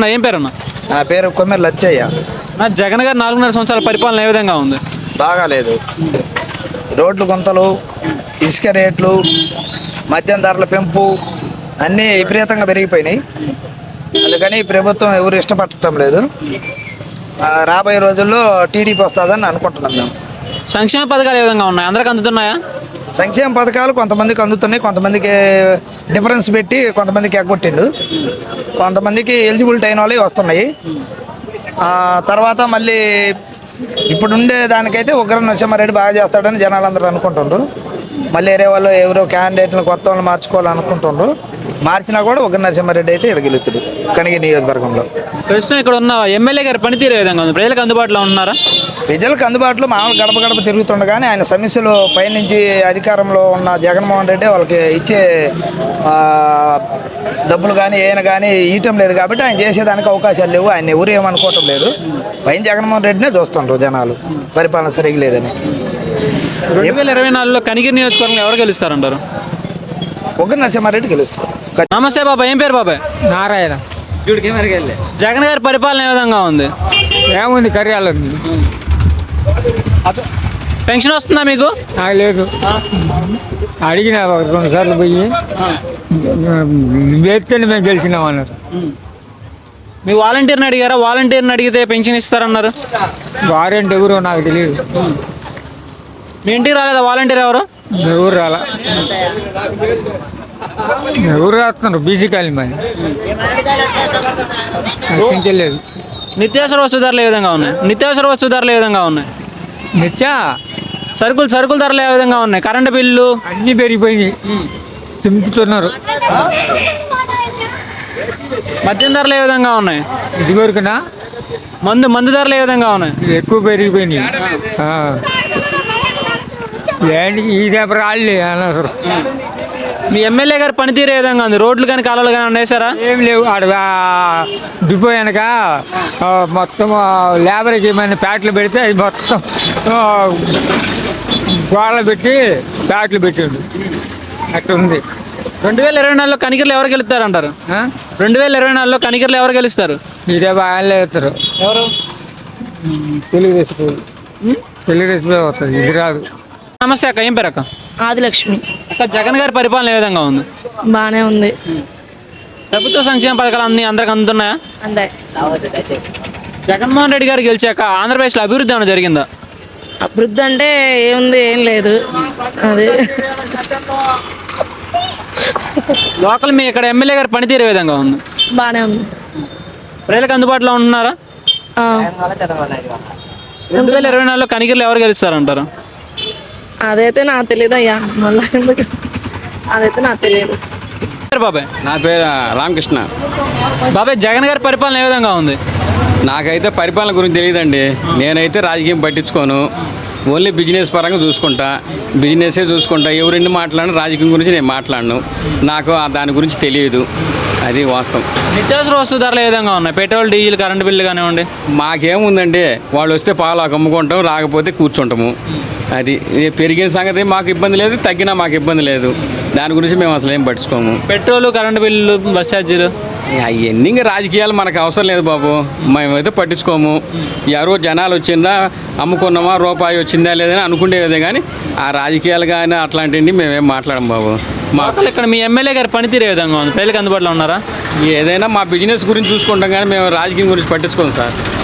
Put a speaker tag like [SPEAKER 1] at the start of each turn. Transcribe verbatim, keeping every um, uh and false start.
[SPEAKER 1] అన్న ఏం పేరు అన్న?
[SPEAKER 2] నా పేరు కొమ్మెర లచ్చయ్య.
[SPEAKER 1] నా జగన్ గారు నాలుగున్నర సంవత్సరాల పరిపాలన ఏ విధంగా ఉంది?
[SPEAKER 2] బాగాలేదు. రోడ్లు గుంతలు, ఇసుక రేట్లు, మద్యం ధరల పెంపు అన్నీ విపరీతంగా పెరిగిపోయినాయి. అందుకని ప్రభుత్వం ఎవరు ఇష్టపడటం లేదు. ఆ, రాబోయే రోజుల్లో టీడీపీ వస్తుందని అనుకుంటున్నాం మేము.
[SPEAKER 1] సంక్షేమ పథకాలు ఏ విధంగా ఉన్నాయి? అందరికి అందుతున్నాయా?
[SPEAKER 2] సంక్షేమ పథకాలు కొంతమందికి అందుతున్నాయి, కొంతమందికి డిఫరెన్స్ పెట్టి కొంతమందికి ఎగ్గొట్టిండు, కొంతమందికి ఎలిజిబిలిటీ అయిన వాళ్ళవి వస్తున్నాయి. ఆ, తర్వాత మళ్ళీ ఇప్పుడు ఉండే దానికైతే ఉగ్ర నరసింహారెడ్డి బాగా చేస్తాడని జనాలందరూ అనుకుంటుండ్రు. మళ్ళీ వేరే వాళ్ళు ఎవరో క్యాండిడేట్లను కొత్త వాళ్ళు మార్చుకోవాలనుకుంటుండ్రు. మార్చినా కూడా ఉగ్ర నరసింహారెడ్డి అయితే ఇక్కడ గెలుస్తాడు కనిగిరి నియోజకవర్గంలో.
[SPEAKER 1] ప్రస్తుతం ఇక్కడ ఉన్న ఎమ్మెల్యే గారి పనితీరు ఏ విధంగా ఉంది? ప్రజలకు అందుబాటులో ఉన్నారా?
[SPEAKER 2] ప్రజలకు అందుబాటులో మామూలు గడప గడప తిరుగుతుండగానే ఆయన సమస్యలు పైనుంచి అధికారంలో ఉన్న జగన్మోహన్ రెడ్డి వాళ్ళకి ఇచ్చే ఆ, డబ్బులు కానీ ఏమైనా కానీ ఇవ్వటం లేదు కాబట్టి ఆయన చేసేదానికి అవకాశాలు లేవు. ఆయన ఎవరు ఏమనుకోవటం లేదు. పైన జగన్మోహన్ రెడ్డినే చూస్తుండ్రు జనాలు, పరిపాలన సరిగ్గా లేదని.
[SPEAKER 1] రెండు వేల ఇరవై నాలుగులో కనిగిరి నియోజకవర్గంలో ఎవరు గెలుస్తారంటారు?
[SPEAKER 2] ఉగ్ర నరసింహారెడ్డి గెలుస్తారు.
[SPEAKER 1] నమస్తే బాబాయ్, ఏం పేరు బాబాయ్?
[SPEAKER 3] నారాయణ.
[SPEAKER 1] జగన్ గారి పరిపాలన ఏ విధంగా ఉంది?
[SPEAKER 3] ఏముంది కర్యాలు
[SPEAKER 1] పెన్షన్ వస్తుందా మీకు?
[SPEAKER 3] నాకు లేదు. అడిగిన ఒక రెండు సార్లు పోయి వేస్తేనే మేము గెలిచినాం అన్నారు.
[SPEAKER 1] మీ వాలంటీర్ని అడిగారా? వాలంటీర్ని అడిగితే పెన్షన్ ఇస్తారన్నారు.
[SPEAKER 3] వారంటీ ఎవరో నాకు తెలియదు.
[SPEAKER 1] మీ ఇంటికి రాలేదా వాలంటీర్ ఎవరు?
[SPEAKER 3] ఎవరు రాలా. ఎవరు రాస్తున్నారు? బీసీ కాలం మరి తెలియదు.
[SPEAKER 1] నిత్యావసర వస్తు ధరలు ఏ విధంగా ఉన్నాయి? నిత్యావసర వస్తు ధరలు ఏ విధంగా ఉన్నాయి?
[SPEAKER 3] నిత్యా
[SPEAKER 1] సరుకులు సరుకుల ధరలు ఏ విధంగా ఉన్నాయి? కరెంటు బిల్లు
[SPEAKER 3] అన్నీ పెరిగిపోయినాయి, తింపుతున్నారు.
[SPEAKER 1] మద్యం ధరలు ఏ విధంగా ఉన్నాయి?
[SPEAKER 3] ఇది వరకునా
[SPEAKER 1] మందు మందు ధరలు ఏ విధంగా ఉన్నాయి?
[SPEAKER 3] ఎక్కువ పెరిగిపోయినాయి. ఏంటి ఈ దెబ్బ రాళ్ళే అనవసరం.
[SPEAKER 1] మీ ఎమ్మెల్యే గారి పనితీరు ఏ విధంగా ఉంది? రోడ్లు కానీ కాలువలు కానీ ఉండేసారా?
[SPEAKER 3] ఏం లేవు. ఆడ డిపో వెనక మొత్తం లేబర్కి ఏమైనా ప్యాట్లు పెడితే అది మొత్తం గోడలు పెట్టి ప్యాట్లు పెట్టిండు. అట్లా ఉంది.
[SPEAKER 1] రెండు వేల ఇరవై నాలుగులో కనిగిరిలో ఎవరు గెలుస్తారు అంటారు? రెండు వేల ఇరవై నాలుగులో కనిగిరిలో ఎవరు గెలుస్తారు?
[SPEAKER 3] ఇదే బాగా వేస్తారు.
[SPEAKER 1] ఎవరు?
[SPEAKER 3] తెలుగుదేశం తెలుగుదేశమే వస్తుంది, ఇది రాదు.
[SPEAKER 1] నమస్తే అక్క, ఏం పేరు అక్క?
[SPEAKER 4] ఆదిలక్ష్మి.
[SPEAKER 1] అక్క, జగన్ గారి పరిపాలన ఏ విధంగా ఉంది?
[SPEAKER 4] బాగానే ఉంది.
[SPEAKER 1] ప్రభుత్వ సంక్షేమ పథకాలు అన్ని అందరికి అందుతున్నాయా?
[SPEAKER 4] అంతే.
[SPEAKER 1] జగన్మోహన్ రెడ్డి గారు గెలిచాక ఆంధ్రప్రదేశ్లో అభివృద్ధి ఏమైనా జరిగిందా?
[SPEAKER 4] అభివృద్ధి అంటే ఏముంది, ఏం లేదు. అది
[SPEAKER 1] లోకల్ మీ ఇక్కడ ఎమ్మెల్యే గారి పనితీరు ఏ విధంగా ఉంది?
[SPEAKER 4] బాగానే ఉంది.
[SPEAKER 1] ప్రజలకు అందుబాటులో ఉంటున్నారా?
[SPEAKER 4] ఆ.
[SPEAKER 1] రెండు వేల ఇరవై నాలుగులో కనిగిరిలో ఎవరు గెలుస్తారంటారు?
[SPEAKER 4] అదైతే నాకు తెలియదు అయ్యా, మళ్ళీ ఎందుకు, అదైతే నాకు తెలియదు.
[SPEAKER 1] బాబాయ్,
[SPEAKER 5] నా పేరు రామకృష్ణ.
[SPEAKER 1] బాబాయ్, జగన్ గారి పరిపాలన ఏ విధంగా ఉంది?
[SPEAKER 5] నాకైతే పరిపాలన గురించి తెలియదండి. నేనైతే రాజకీయం పట్టించుకోను, ఓన్లీ బిజినెస్ పరంగా చూసుకుంటా, బిజినెసే చూసుకుంటా. ఎవరెన్ని మాట్లాడినా రాజకీయం గురించి నేను మాట్లాడను. నాకు దాని గురించి తెలియదు, అది వాస్తవం.
[SPEAKER 1] నిత్యావసర వస్తు ధరలు ఏ విధంగా ఉన్నాయి? పెట్రోల్, డీజిల్, కరెంటు బిల్లు కానివ్వండి.
[SPEAKER 5] మాకేముందండి, వాళ్ళు వస్తే పాలు అమ్ముకుంటాం, రాకపోతే కూర్చుంటాము. అది పెరిగిన సంగతి మాకు ఇబ్బంది లేదు, తగ్గినా మాకు ఇబ్బంది లేదు. దాని గురించి మేము అసలు ఏం పట్టించుకోము.
[SPEAKER 1] పెట్రోలు, కరెంటు బిల్లు, బస్ ఛార్జీలు
[SPEAKER 5] అవన్నీ ఇంకా రాజకీయాలు మనకు అవసరం లేదు బాబు, మేమైతే పట్టించుకోము. ఎవరో జనాలు వచ్చిందా, అమ్ముకున్నామా, రూపాయి వచ్చిందా లేదని అనుకునేదే కానీ ఆ రాజకీయాలు కానీ అట్లాంటివి మేమేం మాట్లాడము బాబు.
[SPEAKER 1] మాకు ఇక్కడ మీ ఎమ్మెల్యే గారి పనితీరు ఏ విధంగా ఉంది? ప్రజలకు అందుబాటులో ఉన్నారా?
[SPEAKER 5] ఏదైనా మా బిజినెస్ గురించి చూసుకుంటాం కానీ మేము రాజకీయం గురించి పట్టించుకోము సార్.